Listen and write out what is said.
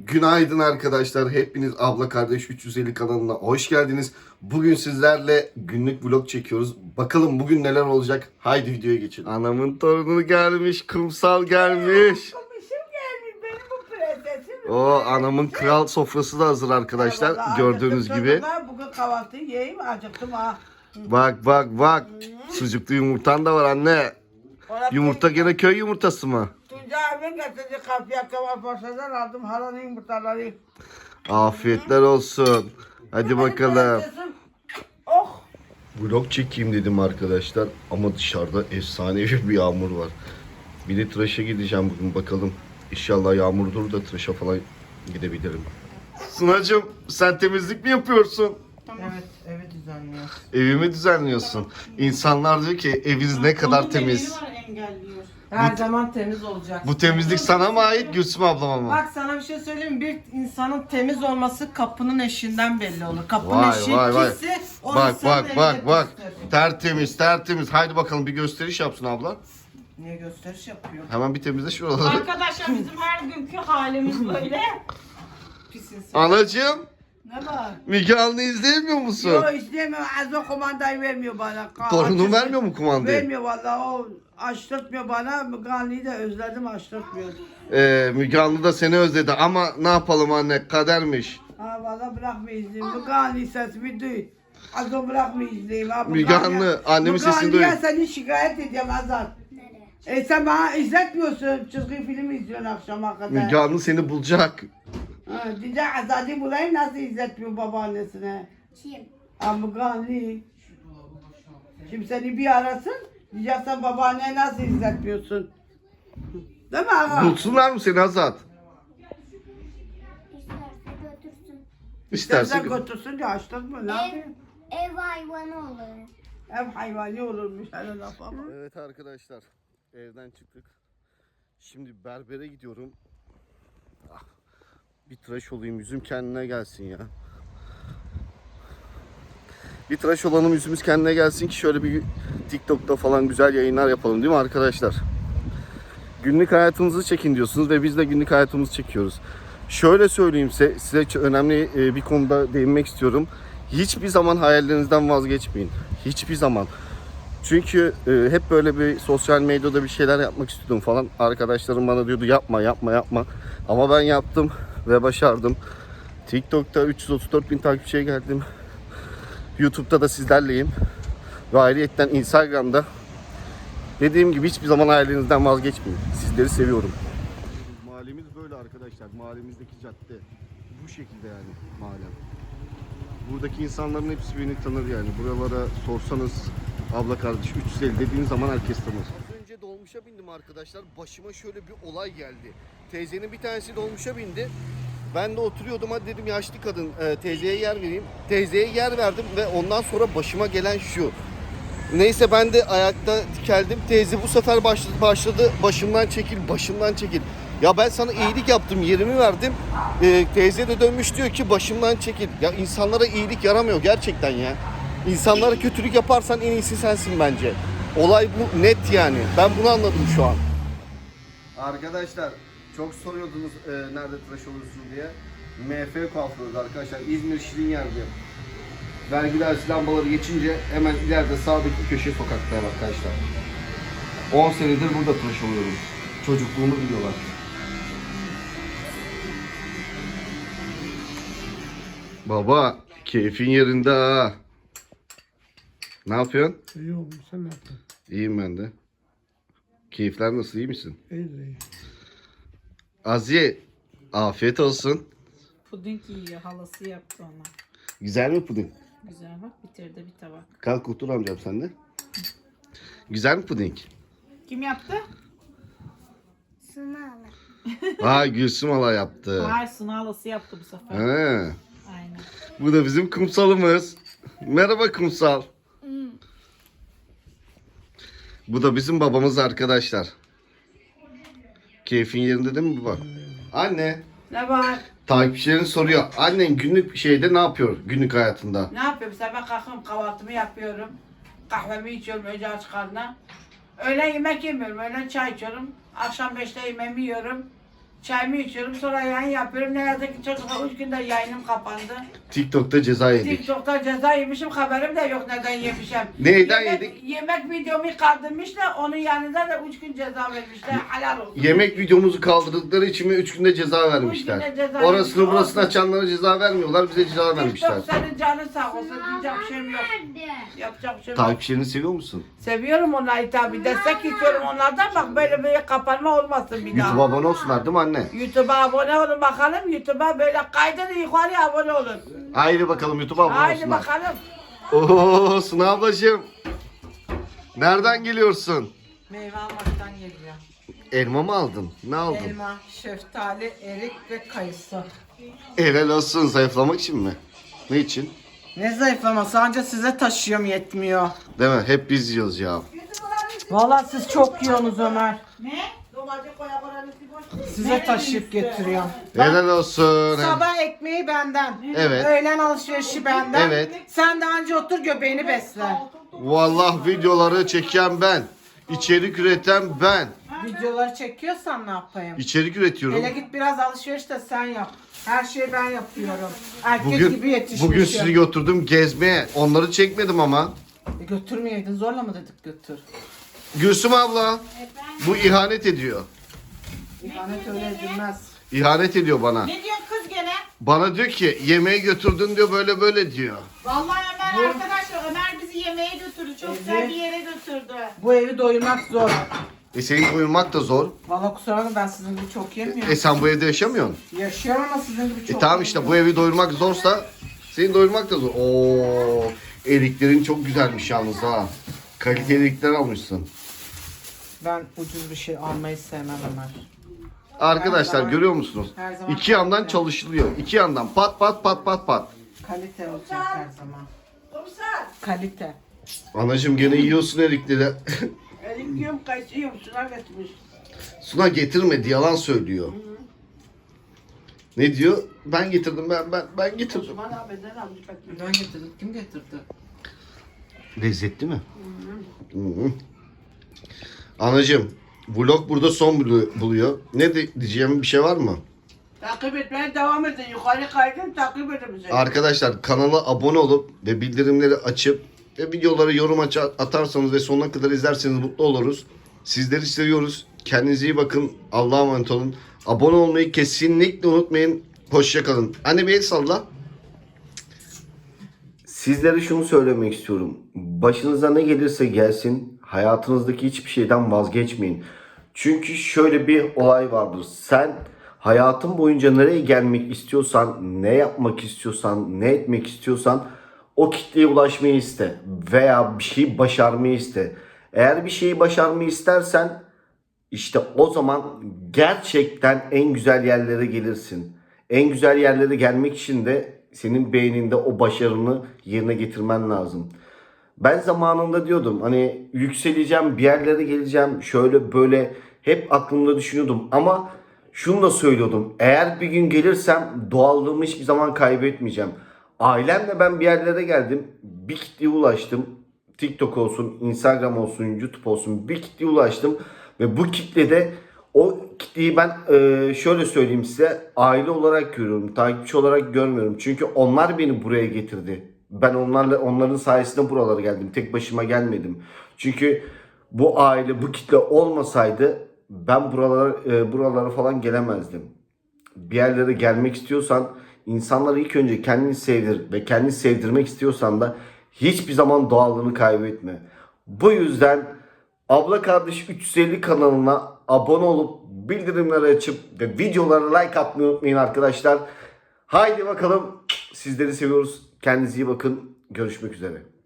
Günaydın arkadaşlar. Hepiniz Abla Kardeş 350 kanalına hoş geldiniz. Bugün sizlerle günlük vlog çekiyoruz. Bakalım bugün neler olacak. Haydi videoya geçelim. Anamın torunu gelmiş, kumsal gelmiş. Komisim gelmiş benim bu prensesim. O anamın kral sofrası da hazır arkadaşlar. Vallahi Gördüğünüz acıktım gibi. çocuklar. Bugün kahvaltı yiyeyim acıktım ha. Bak. Sucuklu yumurtan da var anne. Yumurta gene köy yumurtası mı? Tuncay abim getirdi kapıya Kemal Paşa'dan aldım halanın yumurtaları. Afiyetler olsun. Hadi Benim bakalım. prensesim. Oh. Vlog çekeyim dedim arkadaşlar ama dışarıda efsanevi bir yağmur var. Bir de tıraşa gideceğim bugün bakalım. İnşallah yağmur durur da tıraşa falan gidebilirim. Sunacığım sen temizlik mi yapıyorsun? Evet, evi düzenliyor. Evimi düzenliyorsun. İnsanlar diyor ki eviniz ne kadar temiz. Her zaman temiz olacak. Bu temizlik sana mı ait Gülsüm ablama mı? Bak sana bir şey söyleyeyim mi? Bir insanın temiz olması kapının eşiğinden belli olur. Kapının Vay, eşiği vay. pisse o Bak insanın evine bak. pistir. Tertemiz. Haydi bakalım bir gösteriş yapsın abla. Niye gösteriş yapıyor? Hemen bir temizle şuraları. Arkadaşlar bizim her günkü halimiz böyle. Pis insan. Anacığım Ne var? Müge Anlı izleyemiyor musun? Yok istemiyorum. Azo kumandayı vermiyor bana. Torunun vermiyor mu kumandayı? Vermiyor vallahi o açtırtmıyor bana. Müganlı'yı da özledim açtırtmıyor. Müge Anlı da seni özledi ama ne yapalım anne kadermiş. Ha valla bırakma izleyeyim. Müganlı sesimi duy. Azo bırakma izleyeyim. Ha, Müge Anlı, annemin sesini duy. Müganlı'ya seni şikayet edeceğim Azat. Sen bana izletmiyorsun. Çizgi film izliyorsun akşama kadar. Müge Anlı seni bulacak. Ha, diyecek Azat'ı bulayım nasıl izletmiyor babaannesine. Kim? Ha Müganlı. Şimdi seni bir arasın. Diyeceksen babaanneye nasıl izletmiyorsun. Değil mi ağa? Bulsunlar mı seni Azat? İsterse götürsün. İsterse. Sen götürsün diye açtın mı? Ne yapayım? Ev hayvanı olur. Ev hayvani olurmuş hele laf ama. Evet arkadaşlar evden çıktık. Şimdi berbere gidiyorum. Ah, bir tıraş olayım yüzüm kendine gelsin ya. Bir tıraş olalım yüzümüz kendine gelsin ki şöyle bir TikTok'ta falan güzel yayınlar yapalım değil mi arkadaşlar? Günlük hayatımızı çekin diyorsunuz ve biz de günlük hayatımızı çekiyoruz. Şöyle söyleyeyim size önemli bir konuda değinmek istiyorum. Hiçbir zaman hayallerinizden vazgeçmeyin. Hiçbir zaman. Çünkü hep böyle bir sosyal medyada bir şeyler yapmak istiyordum falan. Arkadaşlarım bana diyordu yapma. Ama ben yaptım ve başardım. TikTok'ta 334 bin takipçiye geldim. YouTube'da da sizlerleyim. Ve ayrıyetten Instagram'da. Dediğim gibi hiçbir zaman hayallerinizden vazgeçmeyin. Sizleri seviyorum. Mahallemiz böyle arkadaşlar. Mahallemizdeki cadde bu şekilde yani mahallem. Buradaki insanların hepsi beni tanır yani. Buralara sorsanız abla kardeş 350 dediğin zaman herkes tanır. Az önce dolmuşa bindim arkadaşlar. Başıma şöyle bir olay geldi. Teyzenin bir tanesi dolmuşa bindi. Ben de oturuyordum, hadi dedim yaşlı kadın teyzeye yer vereyim. Teyzeye yer verdim ve ondan sonra başıma gelen şu. Neyse ben de ayakta dikeldim. Teyze bu sefer başladı başımdan çekil. Ya ben sana iyilik yaptım, yerimi verdim. Teyze de dönmüş diyor ki başımdan çekil. Ya insanlara iyilik yaramıyor gerçekten ya. İnsanlara kötülük yaparsan en iyisi sensin bence. Olay bu, net yani. Ben bunu anladım şu an. Arkadaşlar çok soruyordunuz nerede tıraş olursun diye. MF kuaförüz arkadaşlar. İzmir Şirinyer'de. Vergi dairesi lambaları geçince hemen ileride sağdaki köşe sokakta arkadaşlar. 10 senedir burada tıraş oluyorum. Çocukluğumu biliyorlar. Baba, keyfin yerinde ha. Ne yapıyorsun? İyi olmuş sen ne yaptın? İyiyim ben de. Keyifler nasıl, iyi misin? İyi. Aziye, afiyet olsun. Puding yiyor. Halası yaptı ona. Güzel mi puding? Güzel bak bitirdi bir tabak. Kalk otur amcam sen de. Güzel mi puding? Kim yaptı? Sınalı. Gülsüm hala yaptı. Hayır Suna halası yaptı bu sefer. He. Aynen. Bu da bizim kumsalımız. Merhaba kumsal. Bu da bizim babamız arkadaşlar. Keyfin yerinde değil mi baba? Anne. Ne var? Takipçilerin soruyor. Annen günlük şeyde ne yapıyor günlük hayatında? Ne yapıyorum? Sabah kalkıyorum kahvaltımı yapıyorum. Kahvemi içiyorum önce aç karnına. Öğlen yemek yemiyorum. Öğlen çay içiyorum. Akşam 5'te yemeğimi yiyorum. Çayımı içiyorum sonra yayın yapıyorum. Ne yazık ki çocuklar 3 günde yayınım kapandı. TikTok'ta ceza yedik. TikTok'ta ceza yemişim, haberim de yok neden yemişim. Neyden yemek, yedik? Yemek videomu kaldırmışlar, onun yanında da 3 gün ceza vermişler. Helal olsun. Yemek videomuzu kaldırdıkları için mi 3 günde ceza vermişler. günde ceza Orasını vermiş. burasını açanlara ceza vermiyorlar, bize ceza vermişler. TikTok senin canın sağ olsun, diyecek bir şeyim yok. Nerede? Yapacak bir şeyim yok. Takipçilerini seviyor musun? Seviyorum onları tabi, destek istiyorum onlardan, bak böyle kapanma olmasın bir daha. YouTube'a abone olsunlar değil mi anne? YouTube'a abone olun bakalım, YouTube'a böyle kaydını yukarıya abone olun. Haydi bakalım YouTube'a abone Haydi olsunlar. bakalım. Ooo Suna ablacığım. Nereden geliyorsun? Meyve almaktan geliyor. Elma mı aldın? Ne aldın? Elma, şeftali, erik ve kayısı. Helal olsun, zayıflamak için mi? Ne için? Ne zayıflaması, anca size taşıyorum yetmiyor. Değil mi? Hep biz yiyoruz ya. Vallahi siz çok yiyorsunuz Ömer. Ne? Domates koya koranı boş. Size taşıyıp getiriyorum. Helal olsun. Sabah ekmeği benden. Evet. Öğlen alışverişi benden. Evet. Sen de anca otur göbeğini besle. Vallahi videoları çeken ben. İçerik üreten ben. Videoları çekiyorsan ne yapayım? İçerik üretiyorum. Hele git biraz alışveriş de sen yap. Her şeyi ben yapıyorum. Erkek gibi Bugün, yetişmişim. bugün sizi götürdüm gezmeye. Onları çekmedim ama. Götürmeyeydin, zorla mı dedik götür? Gülsüm abla. Bu ihanet ediyor. İhanet öyle edilmez. İhanet ediyor bana. Ne diyorsun kız gene? Bana diyor ki yemeğe götürdün diyor, böyle böyle diyor. Vallahi Ömer arkadaşlar, Ömer bizi yemeğe götürdü. Çok güzel bir yere götürdü. Bu evi doyurmak zor. Senin uyumak da zor. Vallahi kusura bakma, ben sizin gibi çok yemiyorum. Sen bu evde yaşamıyorsun. Yaşıyorum ama sizin gibi çok Tamam işte, bu evi doyurmak zorsa senin doyurmak da zor. Oo, eriklerin çok güzelmiş yalnız ha. Kaliteli erikler almışsın. Ben ucuz bir şey almayı sevmem Ömer. Arkadaşlar zaman- görüyor musunuz? her zaman İki yandan kaliteli. çalışılıyor. İki yandan pat pat pat pat pat. Kalite olacak her zaman. Komiser. Kalite. Anacığım gene yiyorsun erikleri. Elim yiyorum, kayısı yiyorum, şuna getirmiş. Suna getirmedi, yalan söylüyor. Ne diyor? Ben getirdim, ben getirdim. Osman abiden almış bakayım. Ben getirdim. Kim getirdi? Lezzetli mi? Hı hı. Anacığım, vlog burada son buluyor. Ne diyeceğim bir şey var mı? Takip etmeye devam edin. Yukarı kaydın, takip edin bizi. Arkadaşlar kanala abone olup ve bildirimleri açıp ve videoları yorum atarsanız ve sonuna kadar izlerseniz mutlu oluruz. Sizleri seviyoruz. Kendinize iyi bakın. Allah'a emanet olun. Abone olmayı kesinlikle unutmayın. Hoşça kalın. Anne bir el salla. Sizlere şunu söylemek istiyorum. Başınıza ne gelirse gelsin, hayatınızdaki hiçbir şeyden vazgeçmeyin. Çünkü şöyle bir olay vardır. Sen hayatın boyunca nereye gelmek istiyorsan, ne yapmak istiyorsan, ne etmek istiyorsan o kitleye ulaşmayı iste veya bir şeyi başarmayı iste. Eğer bir şeyi başarmayı istersen işte o zaman gerçekten en güzel yerlere gelirsin. En güzel yerlere gelmek için de senin beyninde o başarını yerine getirmen lazım. Ben zamanında diyordum hani yükseleceğim, bir yerlere geleceğim, şöyle böyle hep aklımda düşünüyordum ama şunu da söylüyordum. Eğer bir gün gelirsem doğallığımı hiçbir zaman kaybetmeyeceğim. Ailemle ben bir yerlere geldim, bir kitleye ulaştım. TikTok olsun, Instagram olsun, YouTube olsun bir kitleye ulaştım. Ve bu kitlede o kitleyi ben şöyle söyleyeyim size, aile olarak görüyorum, takipçi olarak görmüyorum. Çünkü onlar beni buraya getirdi. Ben onların sayesinde buralara geldim. Tek başıma gelmedim. Çünkü bu aile, bu kitle olmasaydı ben buralara falan gelemezdim. Bir yerlere gelmek istiyorsan insanları ilk önce kendini sevdir ve kendini sevdirmek istiyorsan da hiçbir zaman doğallığını kaybetme. Bu yüzden Abla Kardeş 350 kanalına abone olup bildirimleri açıp ve videolara like atmayı unutmayın arkadaşlar. Haydi bakalım, sizleri seviyoruz. Kendinize iyi bakın. Görüşmek üzere.